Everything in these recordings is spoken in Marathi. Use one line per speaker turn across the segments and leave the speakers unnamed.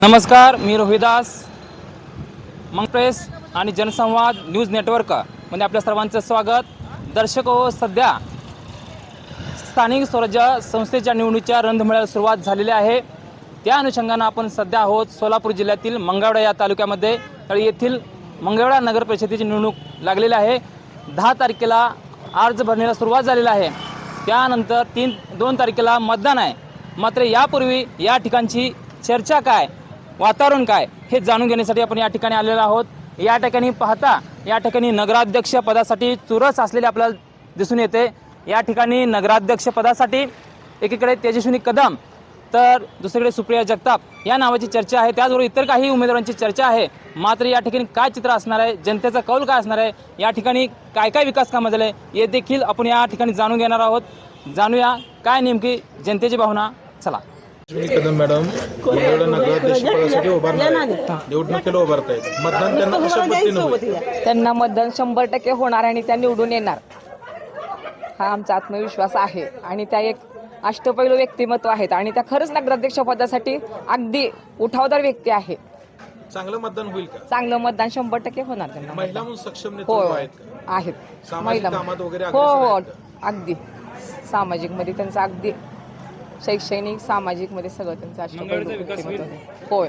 नमस्कार, मी रोहिदास मंगप्रेस आणि जनसंवाद न्यूज नेटवर्क मध्ये आपल्या सर्वांचं स्वागत. दर्शक हो, सध्या स्थानिक स्वराज्य संस्थेच्या निवडणुकीच्या रणधुमाळीला सुरुवात झालेली आहे. त्या अनुषंगानं आपण सध्या आहोत सोलापूर जिल्ह्यातील मंगळवेढा या तालुक्यामध्ये. तर येथील मंगळवेढा नगर परिषदेची निवडणूक लागलेली आहे. 10 तारखेला अर्ज भरण्याला सुरुवात झालेली आहे. त्यानंतर 2 तारखेला मतदान आहे. मात्र यापूर्वी या ठिकाणची चर्चा काय, वातावरण काय हे जाणून घेण्यासाठी आपण या ठिकाणी आलेलो आहोत. या ठिकाणी पाहता या ठिकाणी नगराध्यक्ष पदासाठी चुरस असलेले आपल्याला दिसून येते. या ठिकाणी नगराध्यक्ष पदासाठी एकीकडे तेजस्विनी कदम तर दुसरीकडे सुप्रिया जगताप या नावाची चर्चा आहे. त्याचबरोबर इतर काही उमेदवारांची चर्चा आहे. मात्र या ठिकाणी काय चित्र असणार आहे, जनतेचा कौल काय असणार आहे, या ठिकाणी काय काय विकास कामं झाले हे देखील आपण या ठिकाणी जाणून घेणार आहोत. जाणूया काय नेमकी जनतेची भावना. चला.
कदम मॅडम मंगळवेढा नगराध्यक्ष पदासाठी निवडणुकीला उभारत आहेत. मतदान त्यांना कशा पद्धतीने होईल?
त्यांना मतदान 100% होणार आणि त्या निवडून येणार हा आमचा आत्मविश्वास आहे. आणि त्या एक अष्टपैलू व्यक्तिमत्व आहेत आणि त्या खरंच नगराध्यक्ष पदासाठी अगदी उठावदार व्यक्ती आहे.
चांगलं मतदान होईल का?
चांगलं मतदान 100% होणार त्यांना.
महिला म्हणून सक्षम
हो
नेतृत्व आहेत का?
आहेत.
सामाजिक कामात वगैरे
हो
अग्रेसर
हो
आहेत का?
अगदी सामाजिक मध्ये त्यांचं अगदी शैक्षणिक सामाजिक मध्ये सगळं त्यांचं अष्टपैलू व्यक्तिमत्व आहे. होय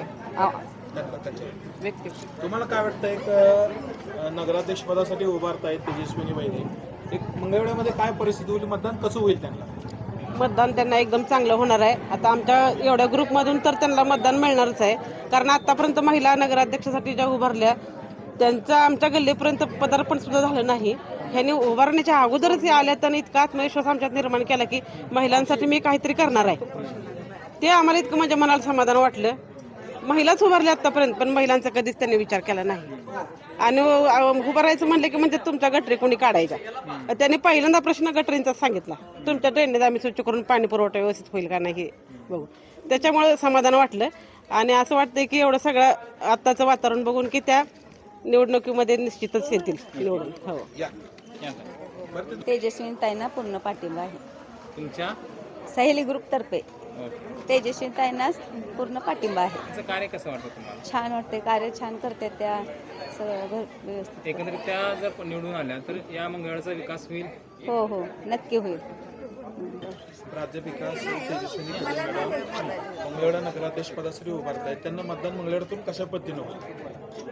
तुम्हाला काय वाटतं, एक नगराध्यक्ष पदासाठी उभारतायत तेजस्विनी वहिनी, एक मंगळवेढ्यामध्ये काय परिस्थिती होईल, मतदान कसं होईल त्यांना?
मतदान त्यांना एकदम चांगलं होणार आहे. आता आमच्या एवढ्या ग्रुपमधून तर त्यांना मतदान मिळणारच आहे. कारण आतापर्यंत महिला नगराध्यक्षासाठी ज्या उभारल्या त्यांचं आमच्या गल्लीपर्यंत पदार्पण सुद्धा झालं नाही. ह्यांनी उभारण्याच्या अगोदरच आल्या तर इतका आत्मविश्वास आमच्यात निर्माण केला की महिलांसाठी मी काहीतरी करणार आहे. ते आम्हाला इतकं माझ्या मनाला समाधान वाटलं. महिलाच उभारल्या आतापर्यंत, पण महिलांचा कधीच त्यांनी विचार केला नाही. आणि उभारायचं म्हणलं की म्हणजे तुमच्या गटरी कोणी काढायच्या. त्यांनी पहिल्यांदा प्रश्न गटरींचा सांगितला, तुमच्या ट्रेनने आम्ही स्वच्छ करून पाणी पुरवठा व्यवस्थित होईल का नाही बघू. त्याच्यामुळे समाधान वाटलं. आणि असं वाटतंय की एवढं सगळं आत्ताचं वातावरण बघून की त्या निवडणुकीमध्ये निश्चितच येतील निवडून. हो.
तेजस्विनीताईंना पूर्ण पाठिंबा आहे.
तुमच्या
सहेली ग्रुप तर्फे तेजस्विनीताईंना पूर्ण पाठिंबा आहे.
कार्य कसं वाटतं तुम्हाला?
छान वाटते, कार्य छान करते त्या, सगळं व्यवस्थित.
एकंदरीत त्या जर निवडून आल्या तर या मंगळवेढ्याचा विकास होईल.
हो हो नक्की होईल.
राज्य विकास तेजस्विनी कदम मॅडम मंगळवेढा नगराध्यक्ष पदासाठी उभारतायत. त्यांना मतदान मंगळवेढ्यातून कशा पद्धतीने होईल?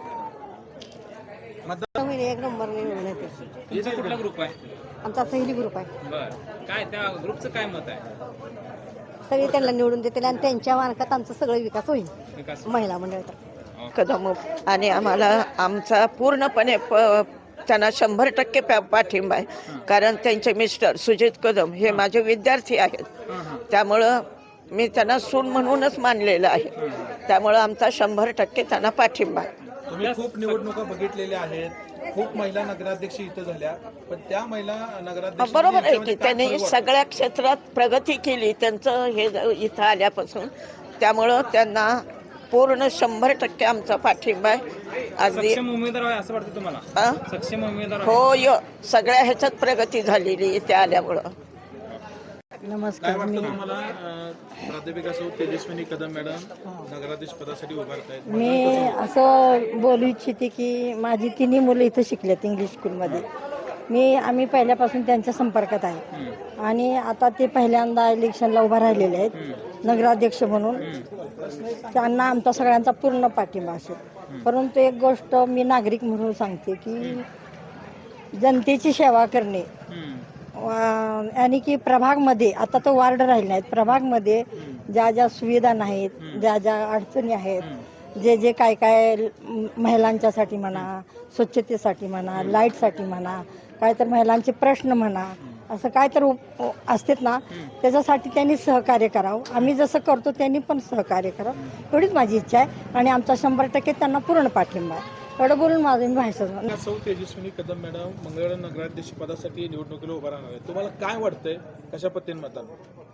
एक नंबर निवडून येते.
याचा कुठला ग्रुप आहे?
आमचा सहेली ग्रुप आहे.
बरं, काय त्या ग्रुपचं काय मत आहे?
सगळे त्यांना निवडून देतील आणि त्यांच्या मार्फत आमचा सगळं विकास होईल.
विकास
महिला मंडळाचा
कदम आणि आम्हाला आमचा पूर्णपणे त्यांना 100% पाठिंबा आहे. कारण त्यांचे मिस्टर सुजित कदम हे माझे विद्यार्थी आहेत. त्यामुळं मी त्यांना सून म्हणूनच मानलेलं आहे. त्यामुळं आमचा 100% त्यांना पाठिंबा आहे.
तुम्ही खूप निवडणुका बघितलेल्या आहेत, खूप महिला नगराध्यक्ष इथं झाल्या, पण त्या महिला नगराध्यक्ष
बरोबर आहे की त्यांनी सगळ्या क्षेत्रात प्रगती केली त्यांचं हे इथं आल्यापासून. त्यामुळं त्यांना पूर्ण 100% आमचा पाठिंबा आहे. अगदी
उमेदवार आहे असं वाटतं तुम्हाला? सक्षम उमेदवार
हो, सगळ्या ह्याच्यात प्रगती झालेली त्या आल्यामुळं.
काय वाटतं तुम्हाला, राज्य विकास तेजस्विनी कदम मॅडम नगराध्यक्ष पदासाठी उभारतायत?
मी असं बोलू इच्छिते की माझी तिन्ही मुलं इथं शिकल्यात इंग्लिश स्कूलमध्ये. आम्ही पहिल्यापासून त्यांच्या संपर्कात आहे. आणि आता ते पहिल्यांदा इलेक्शनला उभा राहिलेले आहेत नगराध्यक्ष म्हणून. त्यांना आमचा सगळ्यांचा पूर्ण पाठिंबा असेल. परंतु एक गोष्ट मी नागरिक म्हणून सांगते की जनतेची सेवा करणे आणि की प्रभागमध्ये आता तो वार्ड राहिले नाहीत, प्रभागमध्ये ज्या ज्या सुविधा नाहीत, ज्या ज्या अडचणी आहेत, जे काय काय महिलांच्यासाठी म्हणा, स्वच्छतेसाठी म्हणा, लाईटसाठी म्हणा, काय तर महिलांचे प्रश्न म्हणा, असं काय तर असतात ना, त्याच्यासाठी त्यांनी सहकार्य करावं. आम्ही जसं करतो त्यांनी पण सहकार्य करावं एवढीच माझी इच्छा आहे. आणि आमचा 100% त्यांना पूर्ण पाठिंबा आहे. एवढं बोलून माझं मी भाषण.
सौ तेजस्विनी कदम मॅडम मंगळवेढा नगराध्यक्ष पदासाठी निवडणुकीला उभा राहणार आहे. तुम्हाला काय वाटतंय, कशा पद्धतीने मतदान?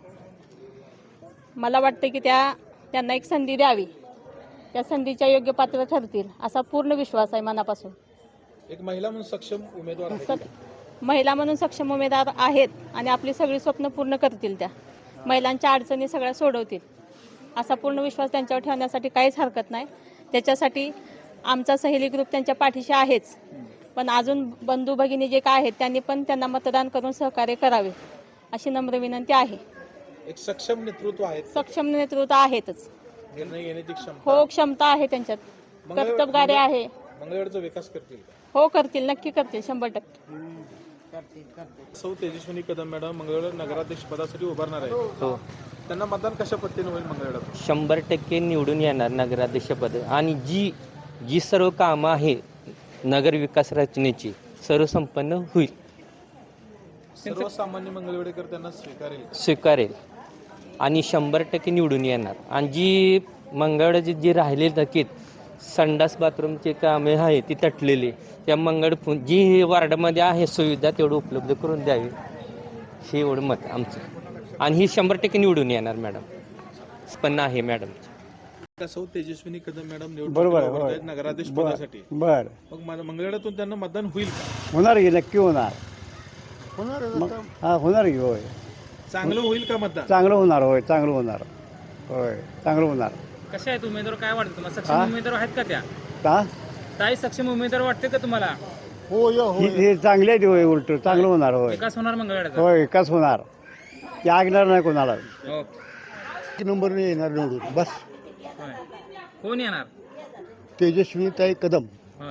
मला वाटतं की त्यांना एक संधी द्यावी, त्या संधीच्या योग्य पात्र ठरतील असा पूर्ण विश्वास आहे मनापासून.
एक महिला म्हणून सक्षम उमेदवार आहे.
महिला म्हणून सक्षम उमेदवार आहेत आणि आपली सगळी स्वप्न पूर्ण करतील. त्या महिलांच्या अडचणी सगळ्या सोडवतील असा पूर्ण विश्वास त्यांच्यावर ठेवण्यासाठी काहीच हरकत नाही. त्याच्यासाठी आमचा सहेली ग्रुप त्यांच्या पाठीशी आहेच, पण अजून बंधू भगिनी जे काय आहेत त्यांनी पण त्यांना मतदान करून सहकार्य करावे अशी नम्र विनंती आहे.
एक सक्षम नेतृत्व आहे,
सक्षम नेतृत्व आहेतच.
निर्णय घेण्याची क्षमता.
हो, क्षमता आहे त्यांच्यात, कर्तबगारी आहे.
मंगळवेढचा विकास करतील का?
हो, करतील, नक्की करतील, 100%.
सौ तेजस्विनी कदम मॅडम मंगळवेढा नगराध्यक्ष पदासाठी उभारणार आहे.
हो,
त्यांना मतदान कशा पद्धतीने होईल मंगळवेढ्यात?
100% निवडून येणार नगराध्यक्षपद. आणि जी सर्व कामं आहे नगर विकास रचनेची सर्व संपन्न होईल,
सर्वसामान्य मंगळवेढेकर त्यांना स्वीकारेल का?
स्वीकारेल आणि 100% निवडून येणार. आणि जी मंगळवेढ्याची जी राहिलेली थकीत संडास बाथरूमचे कामे आहे ती तटलेली, त्या जी वार्डामध्ये आहे सुविधा तेवढं उपलब्ध करून द्यावी, हे एवढं मत आमचं. आणि ही 100% निवडून येणार मॅडम, पण आहे मॅडम.
सौ तेजस्विनी कदम मॅडम
बरोबर आहे,
निवडणूक नगराध्यक्ष पदासाठी.
बर
मग मंगळवेढ्यातून त्यांना मतदान होईल का?
होणार की, नक्की होणार. हा, होणार की, होय.
चांगलं होईल का मतदान?
चांगलं होणार, होय, चांगलं होणार, होय, चांगलं होणार.
कशा आहेत उमेदवार, काय वाटतं तुम्हाला? सक्षम उमेदवार आहेत का त्या?
का
ताई, सक्षम उमेदवार वाटते का तुम्हाला?
हे चांगले आहेत, होय, उलट चांगलं होणार, होय,
विकास होणार मंगळवेढ्याचा?
होय, विकास होणार. ते ऐकणार नाही कोणाला.
ओके.
नंबर येणार निवडून, बस.
होय. कोण येणार?
तेजस्विनीताई कदम.
होय.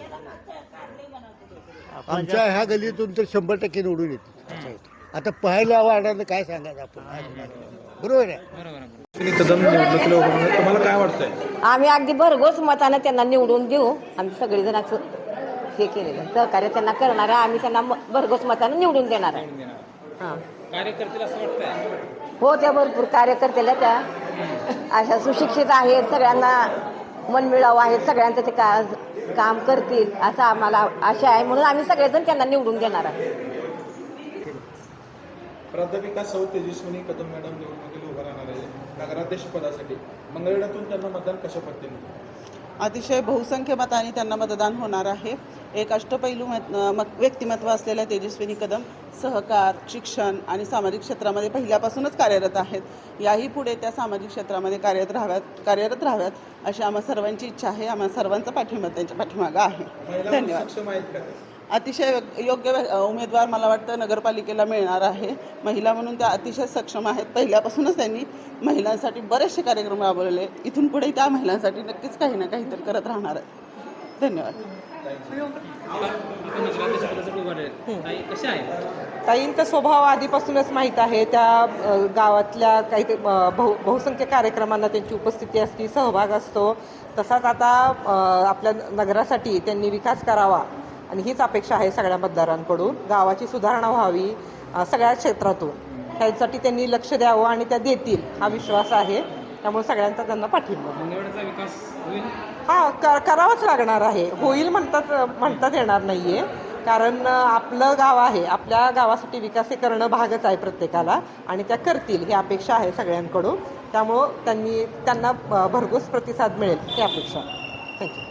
आमच्या ह्या गल्लीतून तर 100% निवडून येते. आता पहिल्या वार्डानं काय सांगायचं आपण, बरोबर आहे.
तेजस्विनी कदम निवडणुकीला उभारणार आहेत. तुम्हाला काय वाटतंय?
आम्ही अगदी भरघोस मतानं त्यांना निवडून देऊ. आम्ही सगळेजण असं हे केलेलं सहकार्य त्यांना करणार आहे. आम्ही त्यांना भरघोस मतानं निवडून देणार आहे. हां,
कार्य करतील असं वाटतंय?
हो, त्या भरपूर कार्यकर्त्याला त्या अशा सुशिक्षित आहेत, सगळ्यांना मनमिळावं आहेत, सगळ्यांचं ते काम करतील असं आम्हाला आशा आहे. म्हणून आम्ही सगळेजण त्यांना निवडून देणार आहे.
प्राध्यापिका सौ तेजस्विनी कदम मॅडम निवडणुकीला उभा राहणार आहे नगराध्यक्ष पदासाठी. मंगळवेढ्यातून त्यांना मतदान कशा पद्धतीने होईल?
अतिशय बहुसंख्य मतांनी त्यांना मतदान होणार आहे. एक अष्टपैलू व्यक्तिमत्व असलेल्या तेजस्विनी कदम सहकार, शिक्षण आणि सामाजिक क्षेत्रामध्ये पहिल्यापासूनच कार्यरत आहेत. याही पुढे त्या सामाजिक क्षेत्रामध्ये कार्यरत राहाव्यात अशी आम्हा सर्वांची इच्छा आहे. आम्हा सर्वांचा पाठिंबा त्यांच्या पाठीमागं आहे. धन्यवाद.
सक्षम आहेत का?
अतिशय योग्य उमेदवार मला वाटतं नगरपालिकेला मिळणार आहे. महिला म्हणून त्या अतिशय सक्षम आहेत. पहिल्यापासूनच त्यांनी महिलांसाठी बरेचसे कार्यक्रम राबवलेले. इथून पुढे त्या महिलांसाठी नक्कीच काही ना काहीतरी करत राहणार आहेत. धन्यवाद.
ताईंचा स्वभाव आधीपासूनच माहीत आहे. त्या गावातल्या काही बहुसंख्य कार्यक्रमांना त्यांची उपस्थिती असते, सहभाग असतो. तसाच आता आपल्या नगरासाठी त्यांनी विकास करावा आणि हीच अपेक्षा आहे सगळ्या मतदारांकडून. गावाची सुधारणा व्हावी सगळ्या क्षेत्रातून, ह्यासाठी त्यांनी लक्ष द्यावं आणि त्या देतील हा विश्वास आहे. त्यामुळे सगळ्यांचा त्यांना पाठिंबा.
मंगळवेढ्याचा विकास होईल?
करावाच लागणार आहे. होईल म्हणतात येणार नाहीये, कारण आपलं गाव आहे. आपल्या गावासाठी विकास करणं भागच आहे प्रत्येकाला, आणि त्या करतील ही अपेक्षा आहे सगळ्यांकडून. त्यामुळं त्यांना भरघोस प्रतिसाद मिळेल ही अपेक्षा. थँक्यू.